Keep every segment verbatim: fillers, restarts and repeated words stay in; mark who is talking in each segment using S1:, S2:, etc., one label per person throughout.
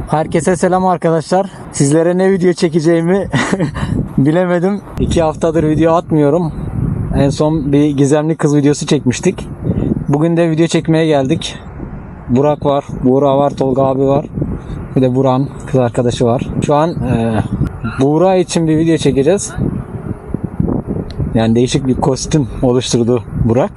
S1: Herkese selam arkadaşlar. Sizlere ne video çekeceğimi bilemedim. İki haftadır video atmıyorum. En son bir gizemli kız videosu çekmiştik. Bugün de video çekmeye geldik. Burak var, Buğra var, Tolga abi var. Bir de Burak'ın kız arkadaşı var. Şu an e, Buğra için bir video çekeceğiz. Yani değişik bir kostüm oluşturdu Burak.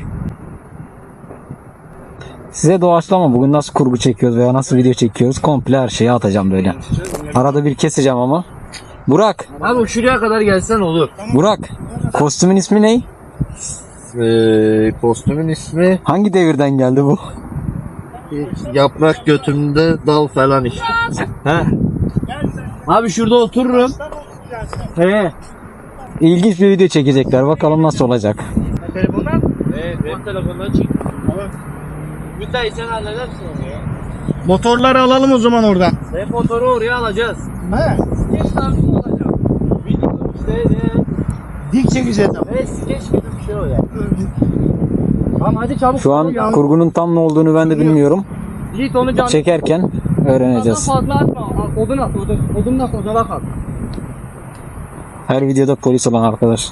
S1: Size doğaçlama bugün nasıl kurgu çekiyoruz veya nasıl video çekiyoruz komple her şeyi atacağım böyle. Arada bir keseceğim ama. Burak.
S2: Abi şuraya kadar gelsen olur.
S1: Burak. Kostümün ismi ne?
S2: Ee, kostümün ismi
S1: Hangi devirden geldi bu?
S2: yaprak götümde dal falan işte. He. Abi şurada otururum. He.
S1: İlginç bir video çekecekler. Bakalım nasıl olacak.
S2: Telefondan? Evet, benim telefondan çek. Müteahhit sen halledersin onu ya.
S3: Motorları alalım o zaman oradan.
S2: Sen motoru oraya alacağız.
S3: He.
S2: Skeç tarzı olacak. Video işte ne?
S3: Dik çekeceğiz ama.
S2: Evet, skeç gibi bir şey o ya. Tamam hadi çabuk.
S1: Şu an kurgunun tam ne olduğunu ben de bilmiyorum.
S2: Git onu canlı.
S1: Çekerken öğreneceğiz.
S2: Fazla atma. Odun at, odun. Odunla odana kal.
S1: Her videoda polis olan arkadaş.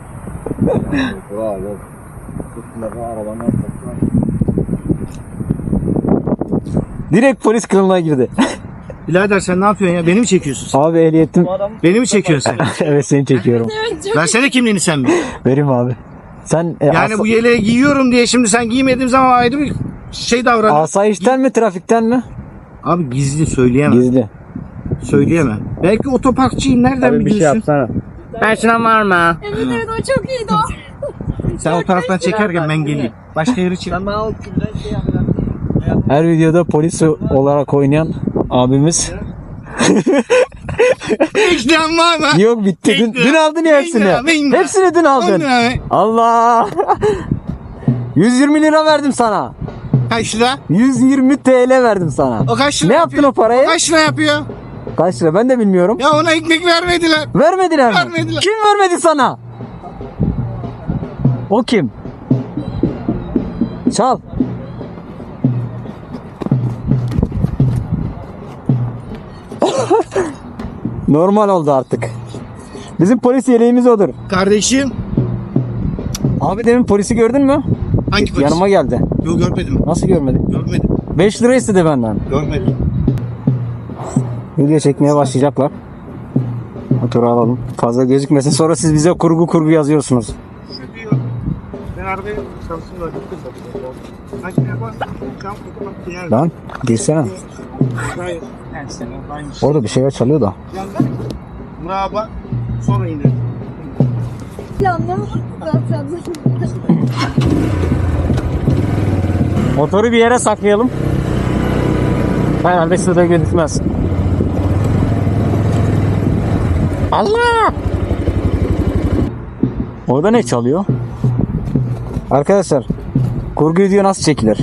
S1: Direkt polis kılığına girdi.
S3: Birader sen ne yapıyorsun ya? Beni mi çekiyorsun?
S1: Abi ehliyetim.
S3: Beni mi çekiyorsun sen?
S1: Evet seni çekiyorum.
S3: Versene kimliğini sen bir.
S1: Vereyim abi. Sen e,
S3: Yani
S1: asa-
S3: bu yeleği giyiyorum diye şimdi sen giymediğim zaman ayrı bir şey davran.
S1: asayişten mi trafikten mi?
S3: Abi gizli söyleyemem.
S1: Gizli.
S3: Söyleyemem. Belki otoparkçıyım nereden
S2: Tabii bir şey
S3: biliyorsun?
S2: yapsana. Ben şuna var mı?
S4: Evet evet o çok iyiydi o.
S3: Sen o taraftan çekerken ben geleyim. Başka yere çek.
S2: Sen bana o kimden şey yapacağım.
S1: Her videoda polis olarak oynayan abimiz.
S3: İşten var mı?
S1: Yok bitti. Dün, dün aldın ya hepsini.
S3: Bingo, bingo.
S1: Hepsini dün aldın.
S3: Ana,
S1: Allah. yüz yirmi lira verdim sana.
S3: Kaç lira?
S1: yüz yirmi TL verdim sana.
S3: O kaç lira
S1: Ne yaptın
S3: yapıyor?
S1: o parayı?
S3: O kaç lira yapıyor?
S1: Kaç lira ben de bilmiyorum.
S3: Ya ona ekmek vermediler.
S1: Vermediler mi?
S3: Vermediler.
S1: Kim vermedi sana? O kim? Çal. Normal oldu artık. Bizim polis yeleğimiz odur.
S3: Kardeşim.
S1: Abi demin polisi gördün mü?
S3: Hangi polis?
S1: Yanıma geldi.
S3: Yok görmedim.
S1: Nasıl görmedin?
S3: Görmedim.
S1: beş lira istedi benden.
S3: Görmedim.
S1: Video çekmeye başlayacaklar. Motoru alalım. Fazla gözükmesin. Sonra siz bize kurgu kurgu yazıyorsunuz.
S3: Ben arabaya çalışsın da gittim. Kaç lira var? Tam tutmak yer.
S1: Lan girsene.
S3: Hayır. Yani sen aynı.
S1: Orada bir şeyler çalıyor da.
S3: Merhaba. Sonra iner.
S4: Planlamış zaten.
S1: Motoru bir yere saklayalım. Herhalde size de gözükmez. Allah! Orada ne çalıyor? Arkadaşlar, kurgu video nasıl çekilir?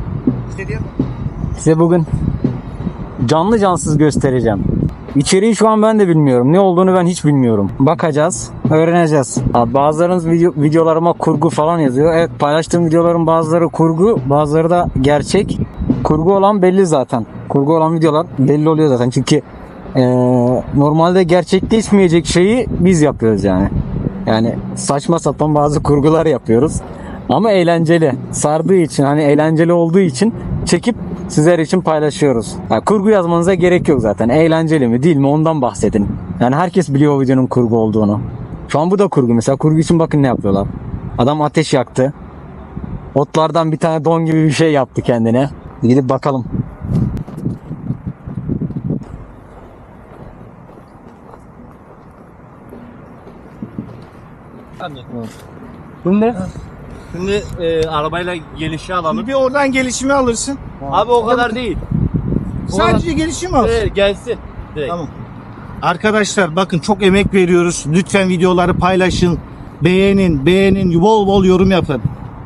S1: Size bugün canlı cansız göstereceğim. İçeriği şu an ben de bilmiyorum. Ne olduğunu ben hiç bilmiyorum. Bakacağız, öğreneceğiz. Abi bazılarınız video, videolarıma kurgu falan yazıyor. Evet, paylaştığım videoların bazıları kurgu, bazıları da gerçek. Kurgu olan belli zaten. Kurgu olan videolar belli oluyor zaten. Çünkü ee, normalde gerçekleşmeyecek şeyi biz yapıyoruz yani. Yani saçma sapan bazı kurgular yapıyoruz. Ama eğlenceli. Sardığı için, hani eğlenceli olduğu için çekip sizler için paylaşıyoruz. Yani kurgu yazmanıza gerek yok zaten. Eğlenceli mi değil mi ondan bahsedin. Yani herkes biliyor o videonun kurgu olduğunu. Şu an bu da kurgu. Mesela kurgu için bakın ne yapıyorlar. Adam ateş yaktı. Otlardan bir tane don gibi bir şey yaptı kendine. Gidip bakalım.
S2: Şimdi Şimdi e, arabayla gelişi alalım.
S3: Bir oradan gelişimi alırsın.
S2: Abi o kadar değil.
S3: Sadece gelişimi al.
S2: Evet, gelsin. Direkt.
S3: Tamam. Arkadaşlar bakın çok emek veriyoruz. Lütfen videoları paylaşın. Beğenin, beğenin, bol bol yorum yapın.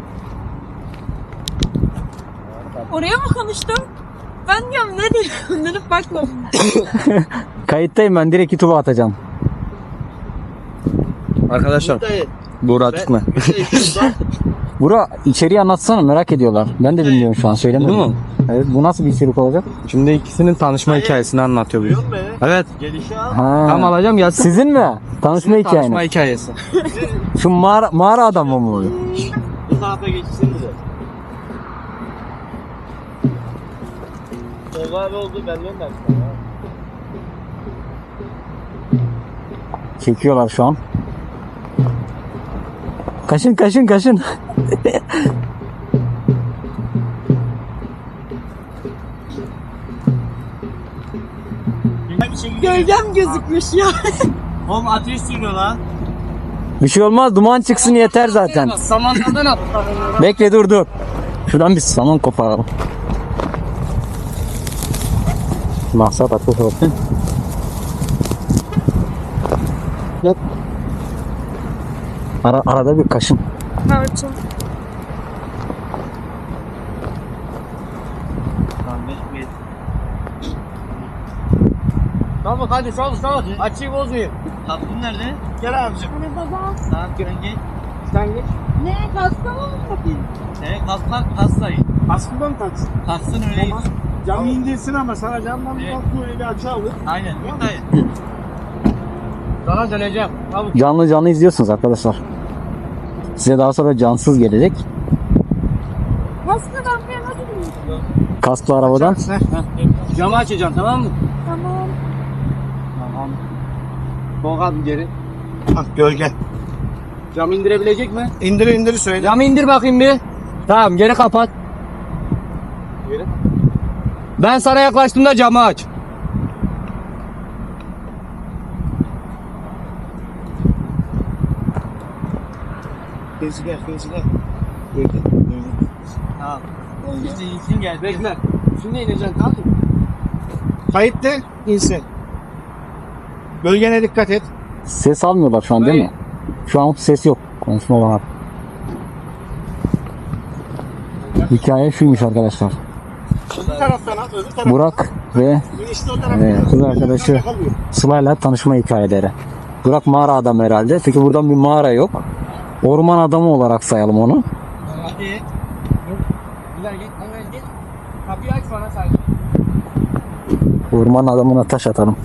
S4: Oraya mı konuştum? Ben diyorum ne diyorum? Dönüp bakmadım.
S1: Kayıttayım ben. Direkt YouTube'a atacağım.
S2: Arkadaşlar.
S1: Buğra çıkma. Buğra içeriği anlatsana merak ediyorlar. Ben de bilmiyorum şu an söylemedim.
S2: Değil mi?
S1: Evet, bu nasıl bir içerik olacak?
S5: Şimdi ikisinin tanışma hikayesini anlatıyor bize.
S2: Duyuyor musun beni?
S5: Evet.
S2: Gelişi al.
S1: Ha.
S5: Tam alacağım gelsin.
S1: Sizin mi? Tanışma hikayeniz.
S5: Tanışma hikayesi.
S1: Şu mağara, mağara adamı mı oluyor?
S2: Bu tarafa geçsinize. Tolga abi oldu belli olmaz.
S1: Çekiyorlar şu an. Kaşın kaşın kaşın.
S4: Gölgem gözükmüş ya.
S2: Oğlum ateş sürüyor lan.
S1: Bir şey olmaz, duman çıksın yeter zaten.
S5: Samanlardan at.
S1: Bekle dur dur. Şuradan bir saman koparalım. Maksat ateş olsun. Yap. Ara, arada bir kaşın.
S4: Tarçın.
S2: Tamam hadi çabuk çabuk. Açıyı bozmayayım. Tatlım nerede? Gel abicim.
S4: Hani baba.
S2: Tamam girin git. Sen git.
S4: Ne? Hasta mı oldu?
S2: Evet kalk kalk kalksayın.
S6: Aslında mı taksın?
S2: Kalksın öyleyiz.
S6: Camı indirsin ama sana camdan bir
S2: Evet.
S6: bakıyor öyle açı alır.
S2: Aynen. Buradayım. Sana döneceğim. Çabuk.
S1: Canlı canlı izliyorsunuz arkadaşlar. Size daha sonra cansız gelecek.
S4: Hastadan bir yana gidiyorsun.
S1: Kasklı arabadan.
S2: Camı açacağım tamam mı?
S4: Tamam.
S2: Tamam. Tolga abi geri.
S3: Ah gölge.
S2: Camı indirebilecek mi?
S3: İndir indir söyle.
S5: Camı indir bakayım bir. Tamam geri kapat.
S2: Geri.
S5: Ben sana yaklaştığımda camı aç.
S3: Gezgah gezgah.
S2: Tamam. İşte insin gel. Bekle. Şimdi ineceksin tamam mı?
S3: Kayıt de insin. Bölgene dikkat et.
S1: Ses almıyorlar şu an değil mi? Şu an ses yok. Konuşma var. Hikaye şuymuş arkadaşlar.
S3: Öbür taraftan al, öbür taraftan.
S1: Burak ve
S3: Girişte o taraftan.
S1: e, kız arkadaşı Sıla'yla tanışma hikayeleri. Burak mağara adamı herhalde. Çünkü buradan bir mağara yok. Orman adamı olarak sayalım onu.
S2: Hadi. Güzel git. Hemen git. Kapıyı aç bana sadece.
S1: Orman adamına taş atalım.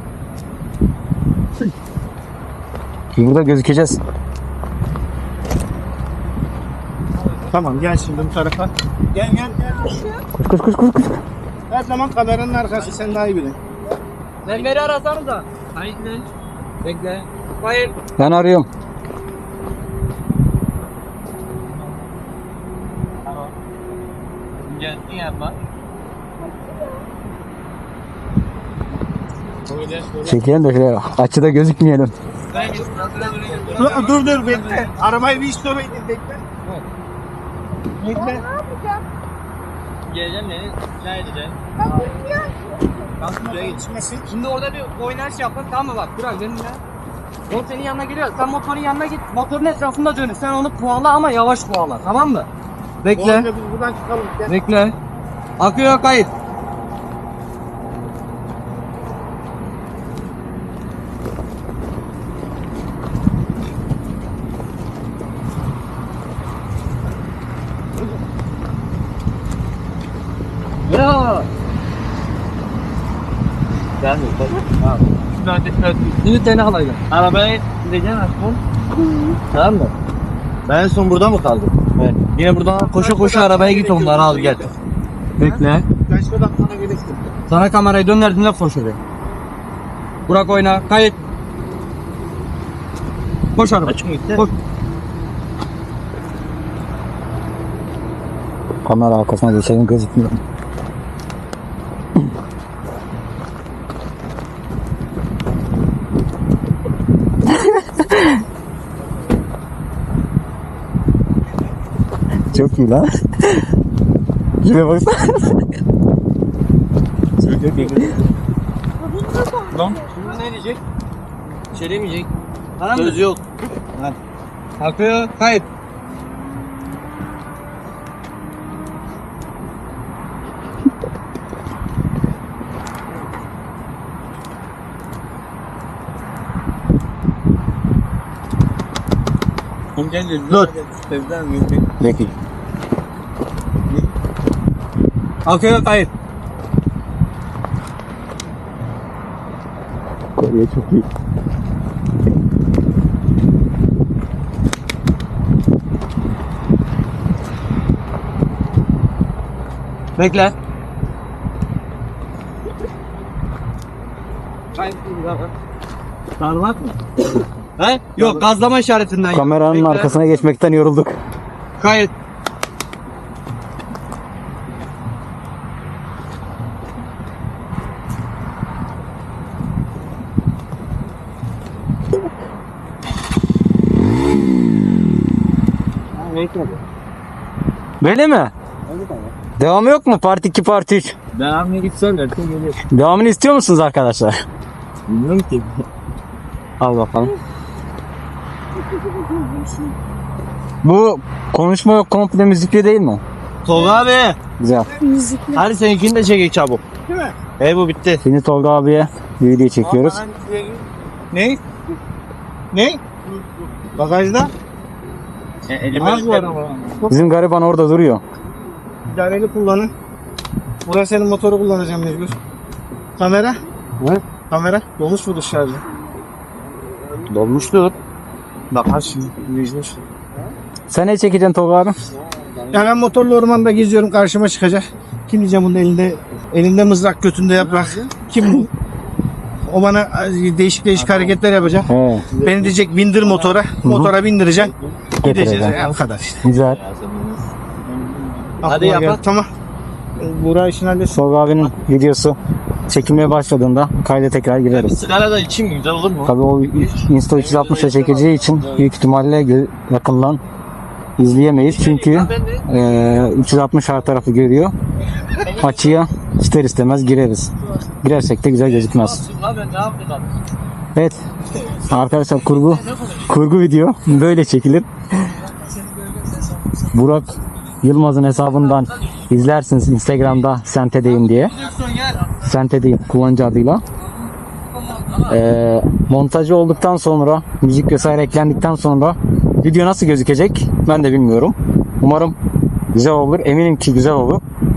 S1: Biz burada gözükeceğiz.
S3: Tamam gel şimdi bu tarafa. Gel gel gel.
S1: Koş koş koş koş. koş.
S3: Her zaman kameranın arkası sen daha iyi bilin.
S2: Sen beni arasanız da. Hayır ne? Bekle. Hayır.
S1: Ben arıyorum.
S2: Tamam. Geldin yapma.
S1: Çekelim de şöyle açıda gözükmeyelim.
S2: Ben git.
S3: Dur dur, dur bekle. Arabayı bir işte oraya indir bekle. Bekle.
S4: Ne yapacağım?
S2: Geleceğim beni. Rica edeceğim.
S4: Ben bilmiyorum.
S2: Kalk buraya git.
S3: Geçmesin.
S5: Şimdi orada bir oynaş yapın tamam mı bak Burak benimle. O senin yanına geliyor. Sen motorun yanına git. Motorun etrafında dönün. Sen onu puanla ama yavaş puanla tamam mı?
S3: Bu
S5: Bekle.
S3: arada biz buradan çıkalım. Gel.
S5: Bekle. Akıyor kayıt. Ya.
S2: Gelmiyor. Tamam. Şuradan dikkat.
S5: Şimdi seni alayım.
S2: Arabaya gideceksin aşkım.
S5: Tamam mı?
S2: Ben en son burada mı kaldım?
S5: Evet. Yine buradan koşa koşa arabaya git onları al gel. Bekle.
S3: Ben şuradan sana gelirsin.
S5: Sana kamerayı döndürdüğünde koş oraya. Burak oyna. Kayıt. Koş araba.
S2: Açık mı gitti?
S5: Koş.
S1: Kamera arkasına geçelim gözükmüyor. Çok iyi lan. Şuraya baksana.
S2: Lan. Şimdi ne diyecek? Bir şey demeyecek. Söz yok.
S5: Akıyor. Kayıt.
S2: Dur.
S1: Peki.
S5: Akıyor kayıt.
S1: Kolye çok iyi.
S5: Bekle.
S6: Sarmak mı?
S5: He? Yok gazlama işaretinden.
S1: Kameranın
S5: Bekle.
S1: arkasına geçmekten yorulduk.
S5: Kayıt.
S1: Böyle mi? Devamı yok mu? Part iki, Part üç.
S6: Devamlı gitsen derken geliyor.
S1: Devamını istiyor musunuz arkadaşlar?
S6: Bilmiyorum ki.
S1: Al bakalım. Bu konuşma yok, komple müzikli değil mi?
S2: Tolga abi.
S1: Güzel.
S4: Müzikli.
S2: Hadi seninkini de çekek çabuk.
S6: Değil mi?
S2: E bu bitti.
S1: Şimdi Tolga abiye bir video çekiyoruz.
S6: Ne? Ne? Bagajda?
S2: E, elime
S6: Az var ama.
S1: Bizim gariban orada duruyor.
S6: İdareli kullanın. Burası senin motoru kullanacağım mecbur. Kamera?
S1: Ne?
S6: Kamera? Dolmuş mudur şarjı?
S2: dolmuştur.
S6: Bakar şimdi. Mecbur.
S1: Sen ne çekeceksin Tolga abi?
S6: Ya ben motorlu ormanda geziyorum, karşıma çıkacak. Kim diyeceğim bunun elinde elinde mızrak, götünde yaprak. Kim bu? O bana değişik değişik hareketler yapacak.
S1: He,
S6: Beni diyecek bindir motora. Motora bindireceğim. Gideceğiz.
S1: getireceğim.
S6: Ya, bu kadar işte.
S1: Güzel.
S6: Aklıma
S2: Hadi
S6: geldi.
S2: yapak.
S6: Tamam. Buğra işini halletsin.
S1: Tolga abinin videosu çekilmeye başladığında kayda tekrar gireriz.
S2: Sigara da içeyim mi? Güzel olur mu?
S1: Tabii o Insta üç yüz altmışa çekeceği için büyük ihtimalle gö- yakından izleyemeyiz. Çünkü eee, üç yüz altmış her tarafı görüyor. Açıya ister istemez gireriz. Girersek de güzel gözükmez.
S2: Abi ben ne yapayım abi?
S1: Evet. Arkadaşlar kurgu kurgu video böyle çekilir. Burak Yılmaz'ın hesabından izlersiniz Instagram'da Sente'deyim diye. Sente'deyim kullanıcı adıyla. Ee, montajı olduktan sonra, müzik vesaire eklendikten sonra video nasıl gözükecek ben de bilmiyorum. Umarım güzel olur. Eminim ki güzel olur.